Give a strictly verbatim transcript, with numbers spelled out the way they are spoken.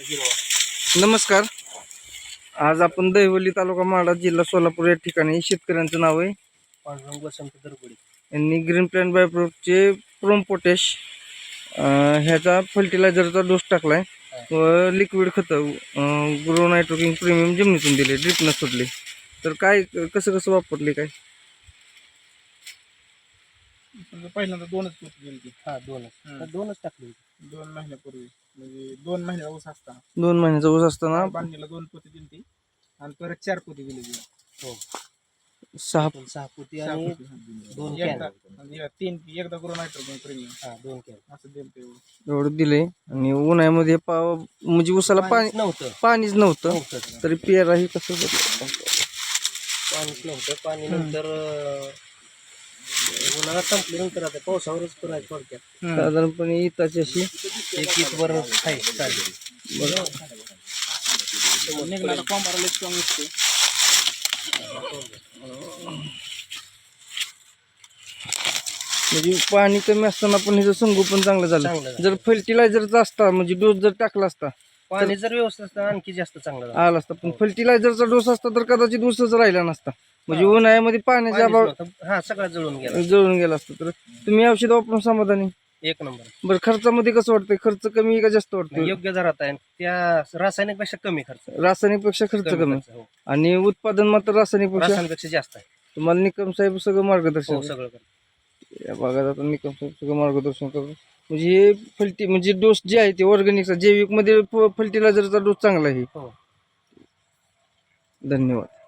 हिरवा। नमस्कार, आज आपण दहिवली तालुका माढा जिल्हा सोलापूर या ठिकाणी शेतकऱ्यांचं नाव आहे पांडुरंग वसंत दरगुडी यांनी ग्रीन प्लॅन बायोप्रोडक्टचे प्रोम पोटॅश ह्याचा फर्टिलायझरचा डोस टाकलाय व लिक्विड खतं ग्रो नायट्रोकिंग प्रीमियम जमिनीतून दिले, ड्रिपनं सोडले. तर काय कसं कसं वापरले काय? पहिल्यांदा दोनच पोती दिली ती. हा दोनच दोनच टाकली होती. दोन महिन्यापूर्वी म्हणजे दोन महिन्याचा ऊस असताना दोन महिन्याचा ऊस असताना बांधणीला दोन पोती दिली ती आणि परत चार पोती दिली ती. हो सहा पण सहा पोती सहा आणि पोती, हा. दोन एकदा कॅन आणि या तीन एकदा करून नायट्रोजन प्रीमियम हा दोन कॅन असं दिलं ते. एवढं दिले आणि उन्हाळ्यामध्ये पा म्हणजे ऊसाला पाणी पाणीच नव्हतं पाणीच नव्हतं नव्हतं तरी पेराही कसं बदललं? पाणीच नव्हतं पाणी नंतर अं, उन्हाळा संपल्यानंतर आता पावसावरच करायचं थोडक्यात साधारणपणे इताची अशी एक एक वर आहे चालेल. निघणारा कॉम्बाराला स्ट्रॉंग असते. म्हणजे पाणी कमी असताना पण ह्याचं संगोपन चांगलं झालं. चांगलं झालं. जर फर्टिलायझरचा असता म्हणजे डोस जर टाकला असता पाणी जर व्यवस्थित असतं आणखी जास्त चांगलं झालं. आला असता, पण फर्टिलायझरचा डोस असता तर कदाचित ऊसच राहिला नसता. म्हणजे उन्हाळ्यामध्ये पाण्याचा पाणीच अभाव नव्हतं. हा सगळं जळून गेला जळून गेला असता. तर तुम्ही औषध वापरून समाधानी? एक नंबर बरं, खर्चामध्ये कसं वाटतंय? खर्च कमी का जास्त वाटतो? योग्य दरात आहे त्या रासायनिक पेक्षा कमी खर्च रासायनिक पेक्षा खर्च कमी कमी खर्च, हो. आणि उत्पादन मात्र रासायनिक पेक्षा. रासायनिकपेक्षा जास्त आहे. तुम्हाला निकम साहेब सगळं हो मार्गदर्शन सगळं करतो. या भागात आता निकम साहेब सगळं मार्गदर्शन करतो. म्हणजे हे फल्टी म्हणजे डोस जे आहे ते ऑर्गॅनिकचा जैविक मध्ये फर्टिलायझरचा डोस चांगला आहे. हो धन्यवाद.